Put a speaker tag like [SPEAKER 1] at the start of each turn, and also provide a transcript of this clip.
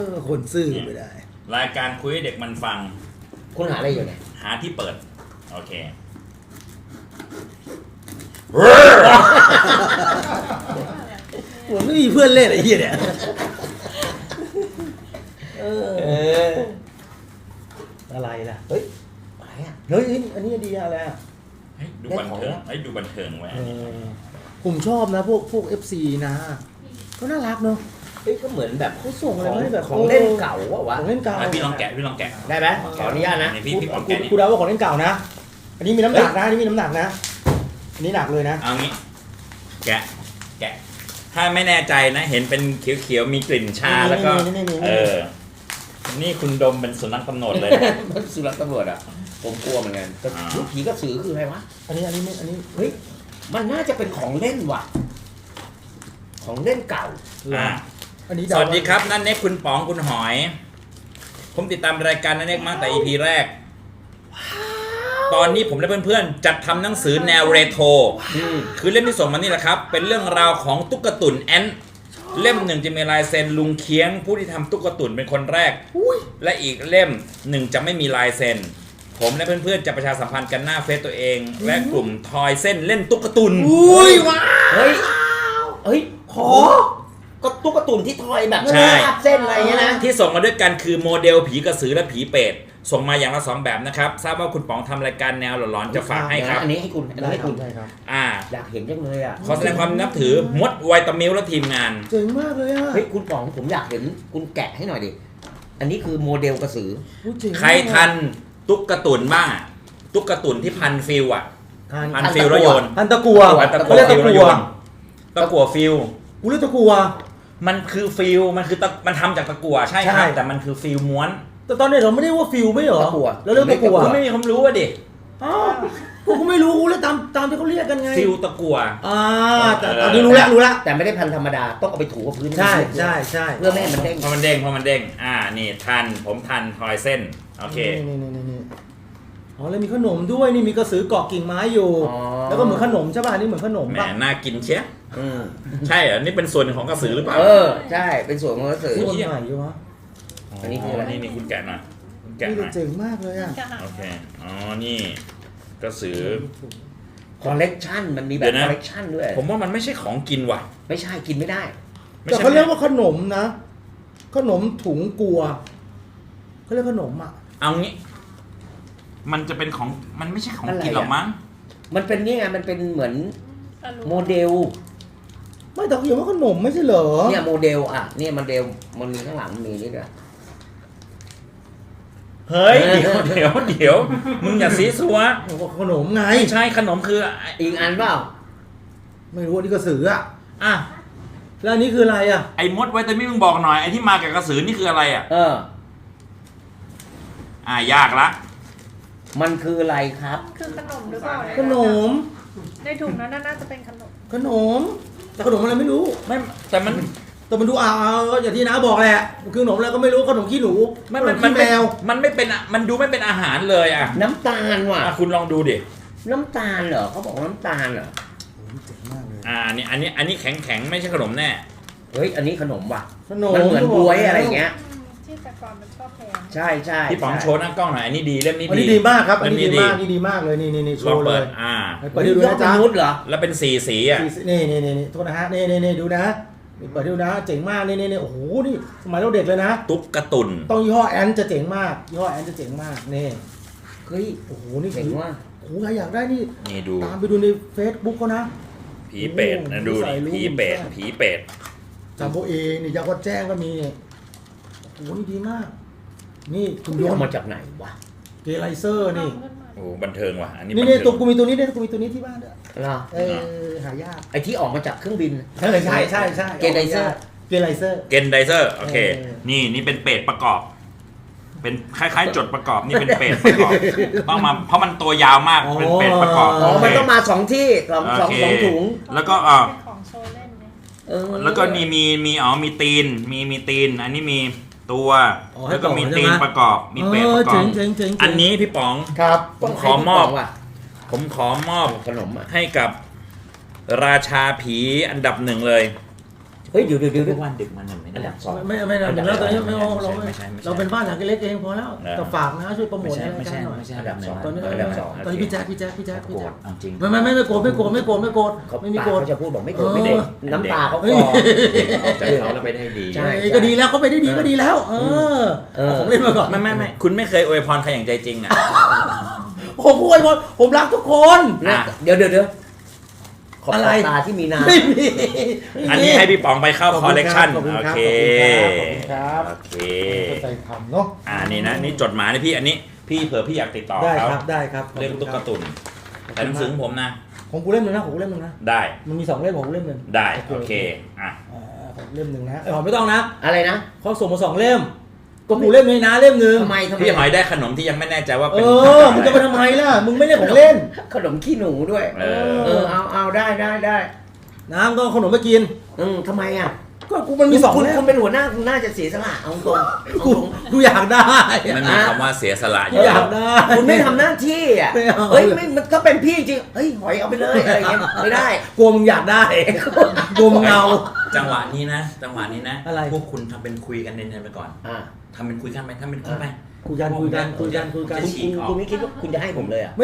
[SPEAKER 1] คนซื่อไม่ได้
[SPEAKER 2] รายการคุยให้เด็กมันฟัง
[SPEAKER 3] คุณหาอะไรอยู่เนี่ย
[SPEAKER 2] หาที่เปิดโอเค
[SPEAKER 1] ผมไม่มีเพื่อนเล่นไอ้เหี้ยเนี่ยอะไรล่ะเฮ้ยอะไรอ่ะเฮ้ยอันนี้ดีอะไรอ่ะ
[SPEAKER 2] ดูบันเทิงดูบันเทิงไว้
[SPEAKER 1] ผมชอบนะพวก FC นะก็น่ารักเนาะ
[SPEAKER 3] เฮ้ยก็เหมือนแบบ
[SPEAKER 1] เขาส่งอะไรมาแบบ
[SPEAKER 3] ของเล่นเก่าวะ
[SPEAKER 1] ของเล่นเก่า
[SPEAKER 2] พี่ลองแกะ
[SPEAKER 3] ได้ไหมขออนุญาตนะ
[SPEAKER 2] พี่ลองแกะ
[SPEAKER 1] กูเดาว่าของเล่นเก่านะอันนี้มีน้ำหนักนะอันนี้มีน้ำหนักนะอันนี้หนักเลยนะ
[SPEAKER 2] เอางี้แกะถ้าไม่แน่ใจนะเห็นเป็นเขียวๆมีกลิ่นชาแล้วก็นี่คุณดมเป็นสุนัขตำรวจเลย
[SPEAKER 3] สุนัขตำรวจอ่ะผมกลัวเหมือนกันแต่ผีกระสือคืออะไรวะ
[SPEAKER 1] อันนี้
[SPEAKER 3] เฮ้ยมันน่าจะเป็นของเล่นว่ะของเล่นเก่า
[SPEAKER 2] สวัสดีครับนั่นเน็กคุณป๋องคุณหอยผมติดตามรายการนั่นเน็กมาแต่ EP แรกตอนนี้ผมและเพื่อนๆจัดทำหนังสือแนวเรโทรคือเล่มที่ส่งมานี่แหละครับเป็นเรื่องราวของตุ๊กตุ่นแอนเล่มหนึ่งจะมีลายเซ็นลุงเคียงผู้ที่ทำตุ๊กตุ่นเป็นคนแรกและอีกเล่มหนึ่งจะไม่มีลายเซ็นผมและเพื่อนๆจะประชาสัมพันธ์กันหน้าเฟซตัวเองและกลุ่มทอยเส้นเล่นตุ๊กตุ่น
[SPEAKER 1] อุ้ยว้า
[SPEAKER 3] เฮ้ยขอก็ตุ๊กตุ่นที่ทอยแบบเส้นอะไรเงี้ยนะ
[SPEAKER 2] ที่ส่งมาด้วยกันคือโมเดลผีกระสือและผีเปรตส่งมาอย่างละ2แบบนะครับทราบว่าคุณป๋องทำรายการแนวหลอนๆจะฝากให้ครับ
[SPEAKER 3] อันนี้ให้คุณ
[SPEAKER 1] ใช่ครับ
[SPEAKER 3] อยากเห็นจังเลยอ่ะ
[SPEAKER 2] ขอแสดงความนับถือมดไวตามิลและทีมงาน
[SPEAKER 1] เจ๋งมากเลยอ่ะ
[SPEAKER 3] เฮ้ยคุณป๋องผมอยากเห็นคุณแกะให้หน่อยดิอันนี้คือโมเดลกระสือ
[SPEAKER 2] ใครทันตุ๊กตุ่นบ้างตุ๊กตุ่นที่พันฟิลอ่ะพันฟิลแล้วโยน
[SPEAKER 1] พันตะกัว
[SPEAKER 2] เขาเรียกตะกัวตะกัวฟิล
[SPEAKER 1] กูเรียกตะกัว
[SPEAKER 2] มันคือฟิลมันคือมันทำจากตะกัวใช่ครับแต่มันคือฟิลม้วน
[SPEAKER 1] แต่ตอนนี้เราไม่ได้ว่าฟิลไม่เหรอแล้วเรื่องตะกัว
[SPEAKER 2] คุณไม่มีความรู้อ่ะดิ
[SPEAKER 1] กูไม่รู้กูเลยตามที่เขาเรียกกันไง
[SPEAKER 2] ฟิลตะกัว
[SPEAKER 1] แต่ตอนนี้รู้แล้ว
[SPEAKER 3] แต่ไม่ได้พันธรรมดาต้องเอาไปถูกับพื้น
[SPEAKER 1] ใช่
[SPEAKER 3] เพื่อไม่ให้มันเด้ง
[SPEAKER 2] พอมันเด้งนี่ผมทันทอยเส้นโอเค
[SPEAKER 1] อ๋อแล้วมีขนมด้วยนี่มีกระสือเกาะกิ่งไม้อยู่แล้วก็เหมือนขนมใช่ป่ะนี่เหมือนขนม
[SPEAKER 2] ป่ะน่ากินเชียใช่เหรอนี่เป็นส่วนหนึ่งของกระสือหรือเปล่า
[SPEAKER 3] ใช่เป็นส่วนของกระสือ
[SPEAKER 1] ส่วนใหญ่อยู่วะ
[SPEAKER 2] อันนี้คืออะไรนี่คุณแกะหน่อย
[SPEAKER 1] นี่เจ๋งมากเลยอ่ะ
[SPEAKER 2] โอเคนี่กระสือ
[SPEAKER 3] คอลเลกชันมันมีแบบคอลเลกชันด้วย
[SPEAKER 2] ผมว่ามันไม่ใช่ของกินว่ะ
[SPEAKER 3] ไม่ใช่กินไม่ได้
[SPEAKER 1] แต่เขาเรียกว่าขนมนะขนมถุงกัวเขาเรียกขนมอ่ะ
[SPEAKER 2] เอางี้มันจะเป็นของมันไม่ใช่ของกินหรอกมั้ง
[SPEAKER 3] มันเป็นนี่ไงมันเป็นเหมือนโมเดล
[SPEAKER 1] ไม่แต่เขาเขียนว่าขนมไม่ใช่เหรอ
[SPEAKER 3] เนี่ยโมเดลอ่ะเนี่ยโมเดลมันมีข้างหลังมีนี่ด้วย
[SPEAKER 2] เฮ้ยเดี๋ยวมึงอย่าซีซัว
[SPEAKER 1] ขนมไง
[SPEAKER 2] ใช่ขนมคือ
[SPEAKER 3] อีกอันเปล่า
[SPEAKER 1] ไม่รู้ว่านี่กระสืออ่ะแล้วอันนี้คืออะไรอ่ะ
[SPEAKER 2] ไอ้มดไวตามินมึงบอกหน่อยไอ้ที่มากับกระสือนี่คืออะไรอ่ะยากละ
[SPEAKER 3] มันคืออะไรครับ
[SPEAKER 4] คือขนมหรือเปล่า
[SPEAKER 1] ขนม
[SPEAKER 4] ในถุงนั้นน่าจะเป็นขนม
[SPEAKER 1] แต่ขนมอะไรไม่รู้
[SPEAKER 2] ไม่แต่มัน
[SPEAKER 1] ดูอย่างที่น้าบอกแหละคือขนมอะไรก็ไม่รู้ขนมขี้หนู
[SPEAKER 2] มันแมวมันไม่เป็นมันดูไม่เป็นอาหารเลยอ่ะ
[SPEAKER 3] น้ำตาลว่ะ
[SPEAKER 2] คุณลองดูดิ
[SPEAKER 3] น้ำตาลเหรอเขาบอกน้ำตาลเหรอ
[SPEAKER 1] เจ๋งมากเลย
[SPEAKER 2] อันนี้แข็งไม่ใช่ขนมแน่
[SPEAKER 3] เฮ้ยอันนี้ขนมว่ะมันเหมือนบวยอะไรเงี้ย
[SPEAKER 4] ที่แต่ก่อนมันก็แพง
[SPEAKER 3] ใช่
[SPEAKER 2] พี่ป๋องโชว์หน้ากล้องหน่อยอันนี้ดีเล่มนี้
[SPEAKER 1] ดีมากครับอันนี้ดีมากเลยนี่โชว์เลย
[SPEAKER 3] เปิดดูนะจ๊ะเหรอ
[SPEAKER 2] แล้วเป็นสีอ่ะ
[SPEAKER 1] นี่โทษนะฮะนี่ดูนะเปิดดูนะเจ๋งมากนี่โอ้โหนี่สมัยเราเด็กเลยนะ
[SPEAKER 2] ตุ๊กตุ่น
[SPEAKER 1] ต้องยี่ห้อแอนจะเจ๋งมากยี่ห้อแอนจะเจ๋งมากนี่
[SPEAKER 3] เฮ้ย
[SPEAKER 1] โอ้โหนี่
[SPEAKER 3] เจ๋งว่ะ
[SPEAKER 1] โอ้โหใครอยากได้นี่
[SPEAKER 2] ดู
[SPEAKER 1] ตามไปดูใน Facebook เขานะ
[SPEAKER 2] ผีเป็ดนะดูผีเป็ด
[SPEAKER 1] จำโบเอนี่ยาวัดแจ้งก็มีโอ้โหนี่ดีมากนี่
[SPEAKER 3] คุณโยนมาจากไหนวะ
[SPEAKER 1] เกไลเซอร์นี่
[SPEAKER 2] โอ้บันเทิงว่ะอันนี้
[SPEAKER 1] นี่ตัวกูมีตัวนี้ด้วยกูมีตัวนี้ที่บ้านด้วยหายาก
[SPEAKER 3] ไอที่ออกมาจากเครื่องบิน
[SPEAKER 1] ใช่เกนไดเซอร์
[SPEAKER 2] โอเคนี่เป็นเป็ดประกอบเป็นคล้ายๆจดประกอบนี่เป็นเป็ดประกอบต้องมาเพราะมันตัวยาวมากเป็นเป็ดประกอบ
[SPEAKER 3] มันต้องมา2ที่2ถุง
[SPEAKER 2] แล้วก็
[SPEAKER 4] ของโชว์เล่น
[SPEAKER 2] แล้วก็นี่มีตีนมีตีนอันนี้มีตัวแล้วก็มีตีนประกอบมีเป็ดประกอบอันนี้พี่ป๋อง
[SPEAKER 3] ครับ
[SPEAKER 2] ผมขอมอบ
[SPEAKER 3] ขนม
[SPEAKER 2] ให้กับราชาผีอันดับ1เลย
[SPEAKER 3] เฮ้ยเดี๋ยว
[SPEAKER 2] ทุกวันดึกมันไม่
[SPEAKER 3] อัน
[SPEAKER 2] ได้
[SPEAKER 3] ดับสอง
[SPEAKER 1] ไม่แล้วตอนนี้ไม่เอาเรา
[SPEAKER 2] ไม่ใช่
[SPEAKER 1] เราเป็นบ้านหลังเล็กเองพอแล้ว
[SPEAKER 2] เออ
[SPEAKER 1] แต่ฝากนะช่วยโปรโม
[SPEAKER 2] ไม่
[SPEAKER 1] ท
[SPEAKER 2] ใช่
[SPEAKER 1] ให้
[SPEAKER 2] ไม่
[SPEAKER 1] ราย
[SPEAKER 2] ใช่
[SPEAKER 1] การหน่อย
[SPEAKER 2] ไม่ใช่
[SPEAKER 3] อันดับสอง
[SPEAKER 1] ตอนนี้
[SPEAKER 3] อันดับสอง
[SPEAKER 1] ตอนนี้พี่แจ๊ค
[SPEAKER 2] โกรธเอาจริง
[SPEAKER 1] ไม่โกรธไม่โกรธไม่โกรธไม่โกรธ
[SPEAKER 3] เขาจะพูดบอกไม่โกรธไม่เด็กน้ำตาเขาคลอ
[SPEAKER 2] แต่เขาเราไม่ได้ดี
[SPEAKER 3] ใช่
[SPEAKER 1] ก็ดีแล้วเขาไปได้ดีก็ดีแล้ว เอาของเล่นมาก่อน
[SPEAKER 2] ไม่คุณไม่เคยอวยพรใครอย่างใจจริงอ่ะ
[SPEAKER 1] ผมพูดผมรักทุกคน
[SPEAKER 3] นะเดี๋ยวขอบ
[SPEAKER 1] อะไร
[SPEAKER 3] ตาที่มีน้
[SPEAKER 1] ไม่มี
[SPEAKER 2] อันนี้ให้พี่ป๋องไปเข้าคอลเลกชัน
[SPEAKER 1] ขอบคุณ
[SPEAKER 2] โอ
[SPEAKER 1] ครับ
[SPEAKER 2] เค
[SPEAKER 1] ขอบคุณครับ
[SPEAKER 2] โอเค
[SPEAKER 1] ใจคำเนาะ
[SPEAKER 2] นี่นะนี่จดหมายนะพี่อันนี้พี่เผื่อพี่อยากติดต่อ
[SPEAKER 1] ได้
[SPEAKER 2] เขา
[SPEAKER 1] ครับได้ครับ
[SPEAKER 2] เรื่องตุ๊กตุนแต่หนังสือของผมนะ
[SPEAKER 1] ของกูเล่มหนึงนะของกูเล่มหนึงนะ
[SPEAKER 2] ได้
[SPEAKER 1] มันมี2 เล่มของกูเล่มหนึง
[SPEAKER 2] ได้โอเคอ่ะ
[SPEAKER 1] ของเล่มหนึ่งนะหอมไม่ต้องนะ
[SPEAKER 3] ำอะไรนะ
[SPEAKER 1] เขาส่งมา2 เล่มก็กูเล่มนี้นะเล่มหนึง
[SPEAKER 3] ทำไม
[SPEAKER 2] พี่หอยได้ขนมที่ยังไม่แน่ใจว่า
[SPEAKER 1] เอ
[SPEAKER 2] เป็น
[SPEAKER 1] อมึงจะไปทำไมล่ะมึงไม่เล่นของเล่น
[SPEAKER 3] ขนมขี้หนูด้วย
[SPEAKER 2] เออ
[SPEAKER 3] เอาได้
[SPEAKER 1] น้ำก็เอาขนมมากิน
[SPEAKER 3] ทำไมอ่ะ
[SPEAKER 1] ก็กูมันมี2
[SPEAKER 3] คุณ
[SPEAKER 1] เล่ม
[SPEAKER 3] คุณเป็นหัวหน้าคุณน่าจะเสียสละเอาตรง
[SPEAKER 1] กูอยากได้
[SPEAKER 2] มันมีคำว่าเสียสละอ
[SPEAKER 1] กู
[SPEAKER 2] ยู่
[SPEAKER 1] อยากได้
[SPEAKER 3] คุณไม่ทำหน้าที่อ่ะ
[SPEAKER 1] ไม่เอา
[SPEAKER 3] เฮ้ยไม่มันก็เป็นพี่จริงเฮ้ยหอยเอาไปเลยอะไรเงี้ยไม่ได้
[SPEAKER 1] กลัวมึงอยากได้กลัวมึงเอา
[SPEAKER 2] จังหวะนี้นะ
[SPEAKER 1] อะไร
[SPEAKER 2] พวกคุณทำเป็นคุยกันเนียนๆไปก่อน
[SPEAKER 3] อ่า
[SPEAKER 2] ทำเป็นคุยกันไปทำเป็นคุยไป
[SPEAKER 1] คุยกัน
[SPEAKER 2] จะฉีกออก
[SPEAKER 3] คุณไม่คิดว่าคุณจะให้ผมเลยอ่ะ